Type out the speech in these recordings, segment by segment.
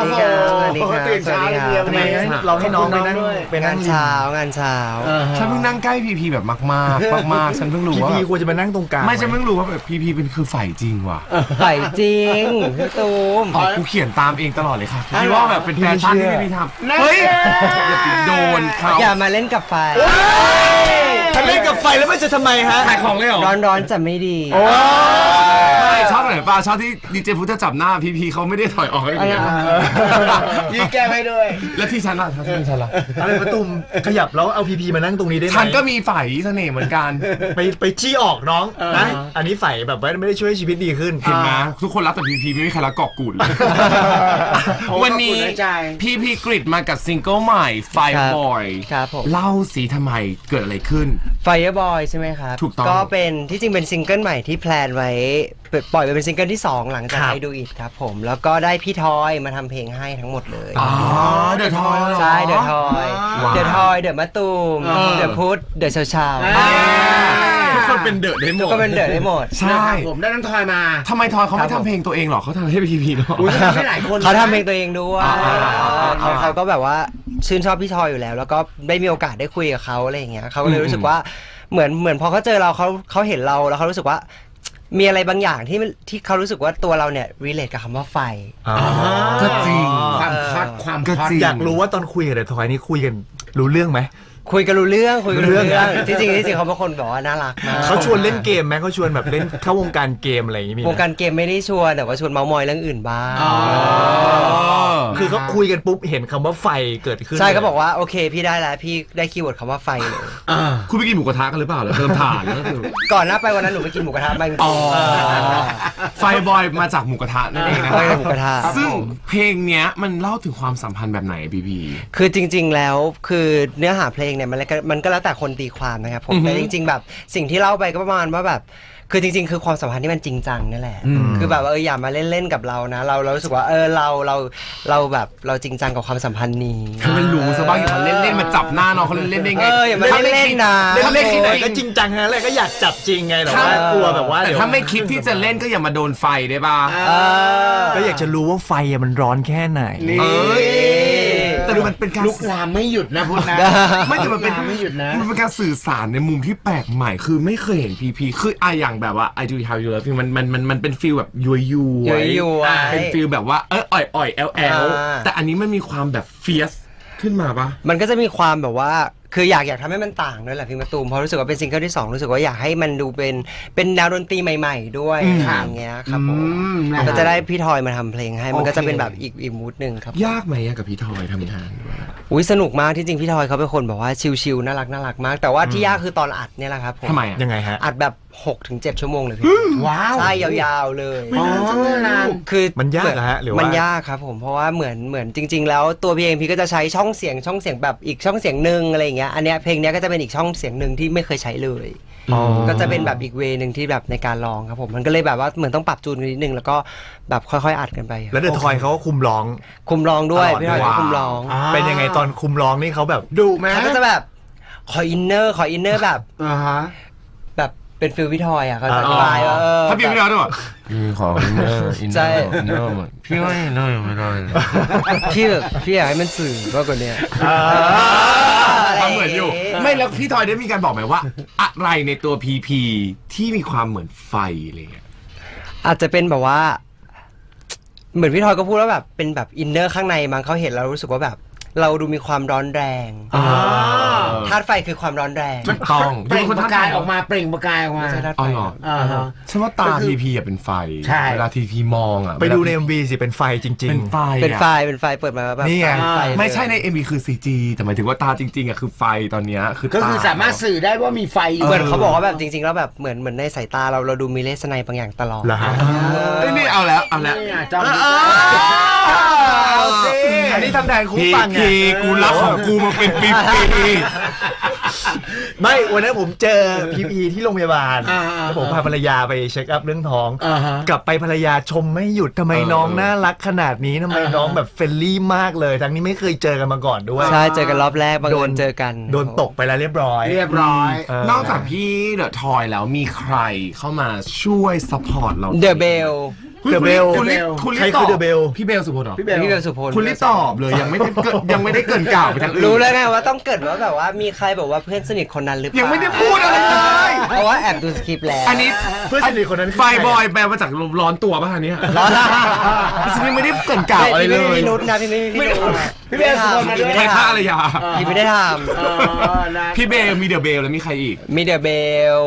ดีครับสวัสดีครับตื่นเช้าเลยทำไมเราให้น้องไปนั่งไปนั่งาง นเช้างานเช้าฉันเพิ่งนั่งใกล้พีพีแบบมากๆมากๆฉันเพิ่งรู้ว่าพีควรจะมานั่งตรงกลางไม่ฉันเพิ่งรู้ว่าแบบพีพีเป็นคือฝ่ายจริงว่ะฝ่ายจริงพี่ตูมกูเขียนตามเองตลอดเลยค่ะคิดว่าแบบเป็นแฟชั่นที่พีพีทำเฮ้ยอย่าไปโดนเขาอย่ามาเล่นกับไฟถ้าเล่นกับไฟแล้วมันจะทำไมฮะขายของเลยเหรอร้อนจะไม่ดีไม่ชอบไหนป่ะชอบที่ดีเจพุทธจับหน้าพีพีเขาไม่ได้ถอยออกให้ดียืนแก้ให้ด้วยแล้วที่ฉันล่ะที่ฉันล่ะอะไรประตูมขยับแล้วเอาพีพีมานั่งตรงนี้ได้ไหมฉันก็มีฝ่ายเสน่ห์เหมือนกันไปชี้ออกน้องนะอันนี้ฝ่ายแบบไม่ได้ช่วยชีวิตดีขึ้นเห็นไหมทุกคนรักแต่พีพีไม่มีใครรักกอกกูดเลยวันนี้พีพีกริดมากับซิงเกิลใหม่ Fireboy ครับผมเล่าสิทำไมเกิดอะไรขึ้น Fireboy ใช่ไหมครับถูกต้องก็เป็นที่จริงเป็นซิงเกิลใหม่ที่แพลนไว้ปล่อยไปเป็นซิงเกิลที่2หลังจากI Do Itครับผมแล้วก็ได้พี่ทอยมาทำเพลงให้ทั้งหมดเลยเดอะทอยใช่เดอะทอยเดอะมะตูมเดอะพุทธเดอะเช้าทุกคนเป็นเดอะได้หมดก็เป็นเดอะได้หมดใช่ผมได้น้ำทอยมาทำไมทอยเขาไม่ทำเพลงตัวเองหรอเขาทำให้พีพีเนาะไม่หลายคนเขาทำเพลงตัวเองด้วยเขาก็แบบว่าชื่นชอบพี่ทอยอยู่แล้วแล้วก็ได้มีโอกาสได้คุยกับเขาอะไรอย่างเงี้ยเขาก็เลยรู้สึกว่าเหมือนพอเขาเจอเราเขาเห็นเราแล้วเขารู้สึกว่ามีอะไรบางอย่างที่เขารู้สึกว่าตัวเราเนี่ยรีเลทกับคำว่าไฟก็จริงความฮอตอยากรู้ว่าตอนคุยกับเดอะทอยนี่คุยกันรู้เรื่องไหมคุยกันรู้เรื่องจริงเขาเป็นคนแบบว่าน่ารักมากเขาชวนเล่นเกมไหมเขาชวนแบบเล่นเข้าวงการเกมอะไรอย่างงี้มีวงการเกมไม่ได้ชวนแต่ว่าชวนเมามอยเรื่องอื่นบ้างคือเขาคุยกันปุ๊บเห็นคำว่าไฟเกิดขึ้นใช่เขาบอกว่าโอเคพี่ได้แล้วพี่ได้คีย์เวิร์ดคำว่าไฟเลยคุณไปกินหมูกระทะกันหรือเปล่าเติมถ่านก็คือก่อนหน้าไปวันนั้นหนูไปกินหมูกระทะมาไฟบอยมาจากหมูกระทะนั่นเองนะหมูกระทะซึ่งเพลงเนี้ยมันเล่าถึงความสัมพันธ์แบบไหนพีคือจริงๆแล้วคือเนื้อหาเพลงเนี่ยมันก็แล้วแต่คนตีความนะครับผมแต่จริงๆแบบสิ่งที่เล่าไปก็ประมาณว่าแบบคือจริงๆคือความสัมพันธ์ที่มันจริงจังนี่แหละคือแบบอย่ามาเล่นๆกับเรานะเรารู้สึกว่าเราแบบเราจริงจังกับความสัมพันธ์นี้คือมันรู้ซะบ้างอย่ามาเล่นๆมาจับหน้าน้องเขาเล่นๆได้ไงอย่ามาเล่นๆนะถ้าไม่คิดก็จริงจังนะเลยก็อยากจับจริงไงแต่ว่ากลัวแบบว่าแต่ถ้าไม่คิดที่จะเล่นก็อย่ามาโดนไฟได้ป่ะก็อยากจะรู้ว่าไฟมันร้อนแค่ไหนแต่มันเป็นการลุกลามไม่หยุดนะพุทธนะไม่แต่มันเป็นไม่หยุดนะมันเป็นการสื่อสารในมุมที่แปลกใหม่คือไม่เคยเห็นพีคืออย่างแบบว่า I Do How You Love Me มันเป็นฟีลแบบยัวเป็นฟีลแบบว่าอ่อยแอลแต่อันนี้มันมีความแบบเฟียสขึ้นมาปะมันก็จะมีความแบบว่าคืออยากทำให้มันต่างด้วยแหละพี่มะตูมเพราะรู้สึกว่าเป็นซิงเกิลที่2รู้สึกว่าอยากให้มันดูเป็นแนวดนตรีใหม่ๆด้วยอย่างเงี้ยครับผมก็จะได้พี่ทอยมาทำเพลงให้มันก็จะเป็นแบบอีกมูดนึงครับยากไหมกับพี่ทอยทำงานอุ้ยสนุกมากที่จริงพี่ทอยเขาเป็นคนแบบว่าชิลๆน่ารักมากแต่ว่าที่ยากคือตอนอัดเนี่ยแหละครับผมทำไมยังไงฮะอัดแบบ 6-7 ชั่วโมงเลยพี่ว้าวใช่ยาวๆเลยคือมันยากนะฮะหรือว่ามันยากครับผมเพราะว่าเหมือนจริงๆแล้วตัวพี่เองพี่ก็จะใช้ช่องเสียงแบบอีกช่องเสียงนึงอะไรอย่างเงี้ยอันเนี้ยเพลงเนี้ยก็จะเป็นอีกช่องเสียงนึงที่ไม่เคยใช้เลยก็จะเป็นแบบอีกเวนึงที่แบบในการร้องครับผมมันก็เลยแบบว่าเหมือนต้องปรับจูนนิดนึงแล้วก็แบบค่อยๆอัดกันไปแล้วเดอะทอยเขาก็คุมร้องด้วยพี่ทอยก็คุมร้องเป็นยังไงตอนคุมร้องนี่เขาแบบดุไหมเขาก็จะแบบขออินเนอร์แบบแบบเป็นฟิลพี่ทอยอ่ะเขาจะอธิบายว่าถ้าพี่ไม่ได้ด้วยขออินเนอร์พี่ว่าอินเนอร์ไม่ได้พี่อยากให้มันสื่อมากกว่านี้ทำเหมือนอยู่ไม่แล้วพี่ทอยได้มีการบอกไหมว่าอะไรในตัวพีที่มีความเหมือนไฟเลยอาจจะเป็นแบบว่าเหมือนพี่ทอยก็พูดว่าแบบเป็นแบบอินเนอร์ข้างในมั้งเขาเห็นแล้วรู้สึกว่าแบบเราดูมีความร้อนแรงธาตุไฟคือความร้อนแรงต้องเปล่งประกายออกมาใช่ธาตุไฟฉันว่าตาพีเป็นไฟเวลาพีมองอ่ะไปดูใน MV สิเป็นไฟจริงๆเป็นไฟเปิดมาแบบนี่ไงไม่ใช่ใน MV คือ CG แต่หมายถึงว่าตาจริงๆอ่ะคือไฟตอนนี้ก็คือสามารถสื่อได้ว่ามีไฟเหมือนเขาบอกว่าแบบจริงๆแล้วแบบเหมือนในสายตาเราดูมีเลสไนบางอย่างตลอดนี่เอาแล้วอันนี้ทำแทนคู่ฟังไงกูรักของกูมาเป็นปีไม่วันนั้นผมเจอพีที่โรงพยาบาลแล้วผมพาภรรยาไปเช็คอัพเรื่องท้องกลับไปภรรยาชมไม่หยุดทำไมน้องน่ารักขนาดนี้ทำไมน้องแบบเฟรนลี่มากเลยทั้งนี้ไม่เคยเจอกันมาก่อนด้วยใช่เจอกันรอบแรกบังเอิญเจอกันโดนตกไปแล้วเรียบร้อยนอกจากพี่เดอะทอยแล้วมีใครเข้ามาช่วยซัพพอร์ตเราเดอะเบลเดอะเบลคุณรีใครบตคือ อเดอะเบลพี่เบลสุพลเหรอพี่เบลสุพลคุณรีบตอบเลยยังไม่ได้เกินกล่าวไปทางอื่นรู้แล้วไงว่าต้องเกิดว่าแบบว่ามีใครบอกว่าเพื่อนสนิทคนนั้นหรือเปล่ายัยังไม่ได้พูดอะไรเลยเพราะว่าแอบดูสคริปต์แล้วอันนี้เพื่อนสนิทคนนั้นคือไฟใครบอยแปลมาจากร้อนตัวป่ะคะเนี่ยฉันยังไม่ได้เกินกล่าวอะไรเลยพี่นุชนะพี่นุชพี่เบลสุพลมาด้วยใครฆ่าอะไรยาพี่ไม่ได้ทพี่เบลมีเดอะเบลแล้วมีใครอีกำมีเดอะเบล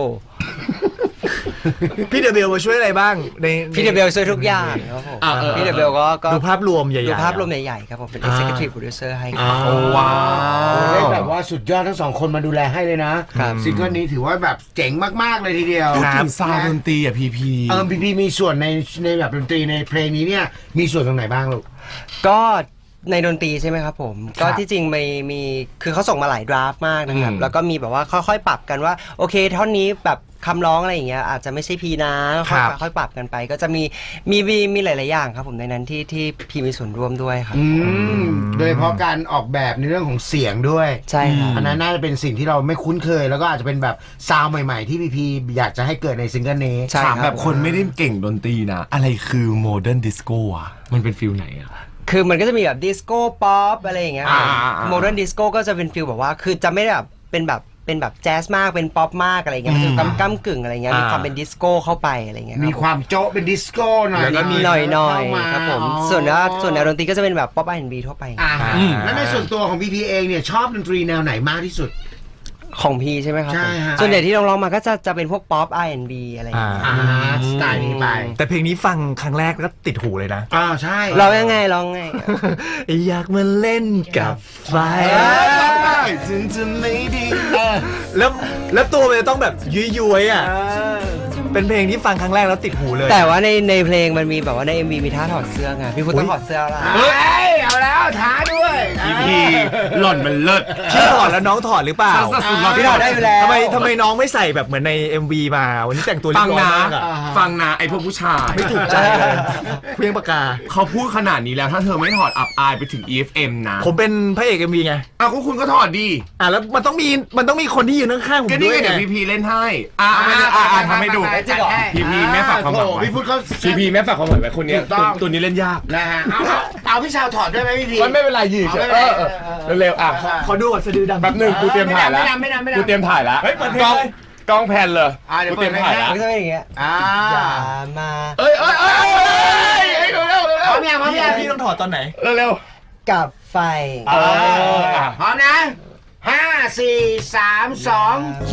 พี่เดอะเบลมาช่วยอะไรบ้างในพี่เดอะเบลช่วยทุกอย่างครับผมพี่เดอะเบลก็ดูภาพรวมใหญ่ๆดูภาพรวมใหญ่ๆครับผมเป็น executive producer ให้ครับโอ้ว้าได้วแบบว่าสุดยอดทั้งสองคนมาดูแลให้เลยนะครับ ซิงเกิลนี้ถือว่าแบบเจ๋งมากๆเลยทีเดียวพูดถึงซาวด์ดนตรีอ่ะพีพี่มีส่วนในแบบดนตรีในเพลงนี้เนี่ยมีส่วนตรงไหนบ้างลูกก็ในดนตรีใช่ไหมครับผมก็ที่จริงมีคือเขาส่งมาหลายดราฟต์มากนะครับแล้วก็มีแบบว่าค่อยๆปรับกันว่าโอเคท่อนนี้แบบคำร้องอะไรอย่างเงี้ยอาจจะไม่ใช่พีนะค่อยๆปรับกันไป ก็จะมีหลายๆอย่างครับผมในนั้นที่พีมีส่วนร่วมด้วยครับโดยเฉพาะการออกแบบในเรื่องของเสียงด้วยใช่ครับอันนั้นน่าจะเป็นสิ่งที่เราไม่คุ้นเคย แล้วก็อาจจะเป็นแบบซาวด์ใหม่ๆที่พีอยากจะให้เกิดในซิงเกิลนี้ใช่ถามครับแบบคนไม่ได้เก่งดนตรีนะ อะไรคือโมเดิร์นดิสโก้อ่ะมันเป็นฟิลไหนอ่ะคือมันก็จะมีแบบดิสโก้ป๊อปอะไรอย่างเงี้ย โมเดิร์นดิสโก้ก็จะเป็นฟิลแบบว่าคือจะไม่ได้แบบเป็นแบบแจ๊สมากเป็นป๊อปมากอะไรเงี้ยมันจะก้ำกึ่งอะไรเงี้ยมีความเป็นดิสโก้เข้าไปอะไรเงี้ยมีความโจ๊ะเป็นดิสโก้หน่อยแล้วก็มีหน่อยๆครับผมส่วนแนวดนตรีก็จะเป็นแบบป๊อป R&B ทั่วไปแล้วในส่วนตัวของพีเองเนี่ยชอบดนตรีแนวไหนมากที่สุดของพีใช่ไหมครับใช่ฮะส่วนใหญ่ที่ร้องมาก็จะเป็นพวกป๊อป R&B อะไรอย่างเงี้ยสไตล์นี้ไปแต่เพลงนี้ฟังครั้งแรกก็ติดหูเลยนะใช่ร้องยังไงอยากมาเล่นกับไฟถึงจะไม่ดีแล้วตัวมันจะต้องแบบยุยๆอ่ะเป็นเพลงที่ฟังครั้งแรกแล้วติดหูเลยแต่ว่าในเพลงมันมีแบบว่าใน MV มีท่าถอดเสื้อไงพี่พุทธต้องถอดเสื้อละเฮ้ยเอาแล้วท้าด้วยพีหล่อนมันเลิศพี่ถอดแล้วน้องถอดหรือเปล่าพี่ถอดได้อยู่แล้วทำไมน้องไม่ใส่แบบเหมือนใน MV มาวันนี้แต่งตัวเรีฟัยงบร้อยนะมากอะฟังนะไอพวกผู้ชายไม่ถูกใจเลยเพียงปากกาเขาพูดขนาดนี้แล้วถ้าเธอไม่ถอดอับอายไปถึง EFM นะผมเป็นพระเอก MV ไงก็คุณก็ถอดดีแล้วมันต้องมีคนที่ยืนข้างๆผมก็ด้นี่วยไงเดี๋ยวไงพีเล่นให้ทำให้ดู พีแม่ฝากความหวังไว้พี่พูดเขาพีแม่ฝากความหวังไว้คนเนี้ยถูกต้องตัวนี้เล่นยากนะฮะเอาพี่ชาวถอดด้วยไหมพี่พีมันไม่เป็นไรยืดเร็วๆขอดูก่อนสะดือดำแป๊บหนึงกูเตรียมถ่ายแล้วไม่นำกูเตรียมถ่ายแล้วเฮ้ยเปิดเพลงกล้องเลยกล้องแพนเลยเดี๋ยวกูเตรียมถ่ายแล้วมันก็จะเป็นอย่างเงี้ย อย่ามาเอ้ยเร็วพร้อมยังพร้อมยังพี่ต้องถอดตอนไหนเร็วกับไฟพร้อมนะ5 4 3 2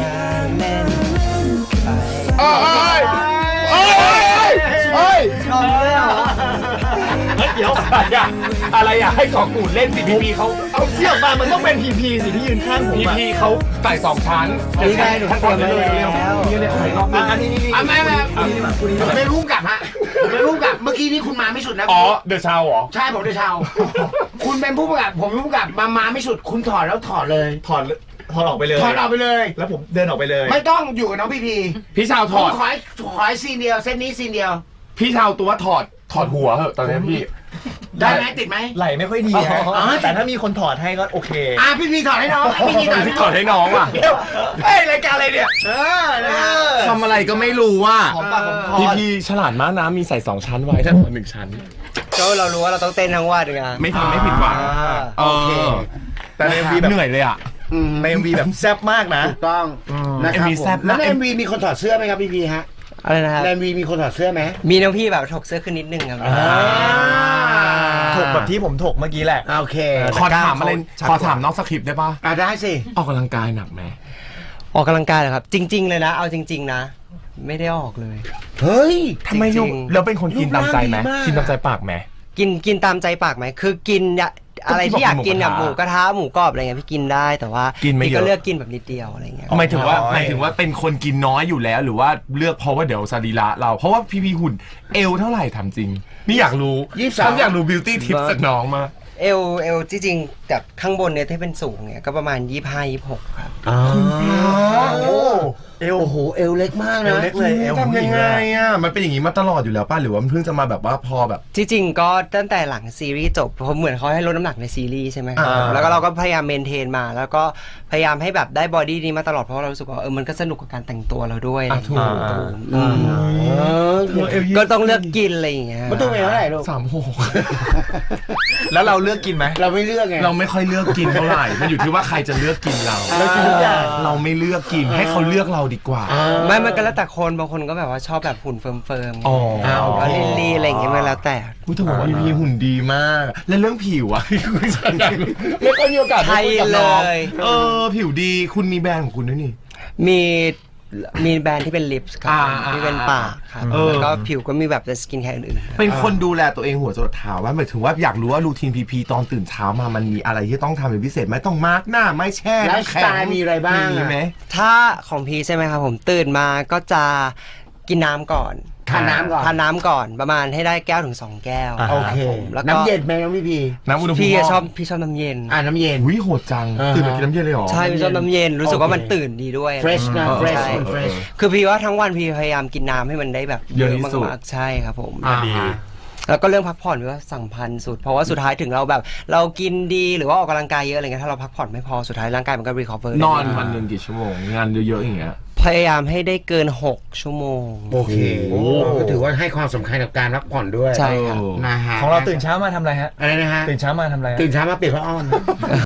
เอ้ยชอบเลยเหรอเดี๋ยวอะไรอ่ะให้ของกูเล่นสิพีเขาเอาเสียงมามันต้องเป็นพีพีสิที่ยืนข้างผมอะพีเขาใส่2 ชั้นนี่ไงหนูเตรียมไว้แล้วอันนี้ไม่ไม่รู้กับฮะไม่รู้กับเมื่อกี้นี้คุณมาไม่สุดนะอ๋อเดอะชาวเหรอใช่ผมเดชาวคุณเป็นผู้ประกาศผมเป็นผู้ประกาศมาไม่สุดคุณถอดแล้วถอดเลยถอดออกไปเลยถอดออกไปเลยแล้วผมเดินออกไปเลยไม่ต้องอยู่กับน้องพีพีพี่ชาวถผมอดขอให้ซีนเดียวเส้นนี้ซีนเดียวพี่ชาวตัวถอดหัวเหอะตอนนี้พี่ได้ไหมติดไหมไหลไม่ค่อยดีฮะแต่ถ้ามีคนถอดให้ก็โอเคพี่พีถอดให้น้องพี่พีถอดให้พี่น้ถออง ดให้น้องว่ะเฮ้ยรายการอะไรเนี่ยทำอะไรก็ไม่รู้ว่าหอมปากหอมคอพี่ฉลาดมากนะมีใส่2 ชั้นไว้ถ้าถอด1 ชั้นก็เรารู้ว่าเราต้องเต้นทั้งวันไงไม่ทำไม่ผิดหวังโอเคแต่ใน MV แบบเหนื่อยเลยอ่ะใน MV แบบแซ่บมากนะถูกต้องนะครับ MV แซ่บแล้วใน MV มีคนถอดเสื้อไหมครับพี่พีฮะอะไรนะครับใน MV มีคนถอดเสื้อไหมมีน้องพี่แบบถกเสื้อขึ้นนิดนึงครับถกแบบที่ผมถกเมื่อกี้แหละโอเคขอถามอะไรขอถามนอกสคริปต์ได้ป่ะได้สิออกกำลังกายหนักไหมออกกำลังกายเหรอครับ จริง ๆ เลยนะ เอาจริง ๆ นะ ไม่ได้ออกเลยเฮ้ยทำไมจริลูงกๆแล้วเป็นคนกินตามใจไหมรูปร่างดีมากกินตามใจปากไหมกินตามใจปากไหมคือกินอะไรที่อยากกินแบบหมูกระทะหมูกรอบอะไรเงี้ยพี่กินได้แต่ว่ากินไม่เยอะพี่ก็เลือกกินแบบนิดเดียวอะไรเงี้ยหมายถึงว่าเป็นคนกินน้อยอยู่แล้วหรือว่าเลือกเพราะว่าเดี๋ยวสรีระเราเพราะว่าพี่หุ่นเอวเท่าไหร่ถามจริง นี่อยากรู้ 23 ฉันอยากรู้บิวตี้ทิปจากน้องมาเอลจริงๆจากข้างบนเนี่ยที่เป็นสูงเนี่ยก็ประมาณ25-26ครับโอ้โหเอวเล็กมากนะเอวเล็กเลยเอวทำยังไงอ่ะมันเป็นอย่างนี้มาตลอดอยู่แล้วป่ะหรือว่ามันเพิ่งจะมาแบบว่าพอแบบที่จริงก็ตั้งแต่หลังซีรีส์จบเพราะเหมือนเขาให้ลดน้ำหนักในซีรีส์ใช่ไหมครับอ่าแล้วก็เราก็พยายามเมนเทนมา แล้วก็พยายามให้แบบได้บอดี้นี้มาตลอดเพราะเรารู้สึกว่ามันก็สนุกกับการแต่งตัวเราด้วยอะไรอย่างเงี้ยก็ต้องเลือกกินอะไรอย่างเงี้ยมันตัวเอวเท่าไหร่ลูก 36 แล้วเราเลือกกินไหมเราไม่เลือกไงเราไม่ค่อยเลือกกินเท่าไหร่มันอยู่ที่ว่าใครจะเลือกกินเราเรากินทุกอย่างเราไม่เลือกกินให้เขาเลือกเราดีกว่าไม่มันก็แล้วแต่คนบางคนก็แบบว่าชอบแบบหุ่นเฟิร์มๆอ๋อก็ลีๆอะไรอย่างเงี้ยมันแล้วแต่พูดถึงว่าพีหุ่นดีมาก และเรื่องผิวอะไม่ค่อยมีโอกาสได้ใช่คุยกับเลน้องยผิวดีคุณมีแบรนด์ของคุณด้วยนี่มีแบรนด์ที่เป็นลิปส์ครับอ่าที่เป็นปากครับ แล้วก็ผิวก็มีแบบสกินแคร์อื่นๆเป็นคนดูแลตัวเองหัวจรดเท้าว่าหมายถึงว่าอยากรู้ว่ารูทีนพีตอนตื่นเช้ามามันมีอะไรที่ต้องทำเป็นพิเศษไหมต้องมาร์กหน้าไม่แช่ไลฟ์สไตล์มีอะไรบ้างมีไหมถ้าของพีใช่ไหมครับผมตื่นมาก็จะกินน้ำก่อนทานน้ำก่อนทานน้ำก่อนประมาณให้ได้แก้วถึง2 แก้วโอเคผมแล้วก็น้ำเย็นไหมน้องพี่พีน้ำอุณหภูมิพี่ห้องชอบน้ำเย็นน้ำเย็นอุ้ยโหดจัง ตื่นมากินน้ำเย็นเลยเหรอใช่พี่ชอบน้ำเย็นรู้สึกว่ามันตื่นดีด้วย fresh นะ fresh ใช่มัน fresh คือพี่ว่าทั้งวันพี่พยายามกินน้ำให้มันได้แบบเยอะที่สุดมากๆใช่ครับผมดีแล้วก็เรื่องพักผ่อนพี่ว่าสำคัญสุด เพราะว่าสุดท้ายถึงเราแบบ เรากินดีหรือว่าออกกำลังกายเยอะอะไรเงี้ยถ้าเราพักผ่อนไม่พอสุดท้ายร่างกายมันก็ recover นอนได้วันหนึ่งกี่ชั่วโมงงานเยอะๆอย่างเงี้ยพยายามให้ได้เกิน6 ชั่วโมงโอเคก็ถือว่าให้ความสำคัญกับการพักผ่อนด้วยใช่ครับนะฮะของเราตื่นเช้ามาทำอะไรฮะอะไรนะฮะตื่นเช้ามาทำอะไรฮะตื่นเช้ามาเปลี่ยนผ้าอ้อม